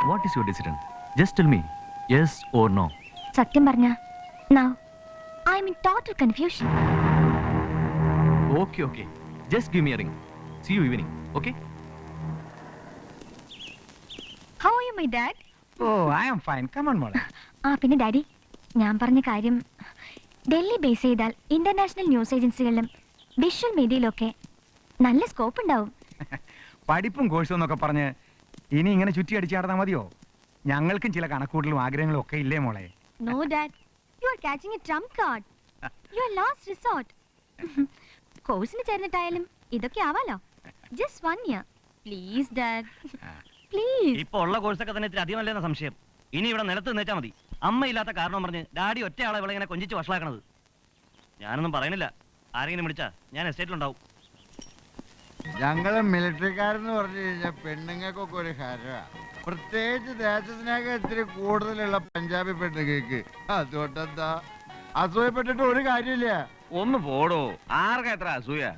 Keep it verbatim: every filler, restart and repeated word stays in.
What is your decision? Just tell me, yes or no. സത്യം പറഞ്ഞ now I am in total confusion. Okay, okay. Just give me a ring. See you evening, okay? How are you, my dad? Oh, I am fine. Come on, മോളെ. ആ പിന്നെ daddy, ഞാൻ പറഞ്ഞ കാര്യം Delhi base ചെയ്താൽ international news ഏജൻസികളിലും visual മീഡിയയിലൊക്കെ നല്ല സ്കോപ്പ് ഉണ്ടാവും. പഠിപ്പും കോഴ്സും എന്നൊക്കെ പറഞ്ഞ് ഇനി ഇങ്ങനെ ചുറ്റി അടിച്ചാടുന്നാ മതിയോ? ഞങ്ങൾക്കും ചില കണക്കൂട്ടലും ആഗ്രഹങ്ങളും ഒക്കെ ഇല്ലേ മോളെ? No, Dad. You are catching a trump card. You are last resort. കോഴ്സിന് ചേർന്നിട്ടായാലും ഇതൊക്കെ ആവാലോ. Just one year. Please, Dad. Please. ഇപ്പൊ ഉള്ള കോഴ്സൊക്കെ തന്നെ ഇത്തിരി അധികമല്ലെന്ന സംശയം. ഇനി ഇവിടെ നിലത്ത് നിന്നേച്ചാ മതി. അമ്മയില്ലാത്ത കാരണം പറഞ്ഞ് ഡാഡി ഒറ്റയാളെ ഇവിടെ ഇങ്ങനെ കൊഞ്ചിച്ച് വഷളാക്കണത്. ഞാനൊന്നും പറയുന്നില്ല. ആരെങ്കിലും വിളിച്ചാ ഞാൻ എസ്റ്റേറ്റിലുണ്ടാവും. ഞങ്ങള് മിലിറ്ററിക്കാരെന്ന് പറഞ്ഞു കഴിഞ്ഞാൽ പെണ്ണുങ്ങൾക്കൊക്കെ ഒരു ഹരവാ. പ്രത്യേകിച്ച് ദേശത്തിനൊക്കെ ഇത്തിരി കൂടുതലുള്ള പഞ്ചാബി പെണ്ണുങ്ങൾക്ക്. അതുകൊണ്ടെന്താ അസൂയപ്പെട്ടിട്ട് ഒരു കാര്യമില്ല. ഒന്ന് പോടോ, ആർക്കാ എത്ര അസൂയ?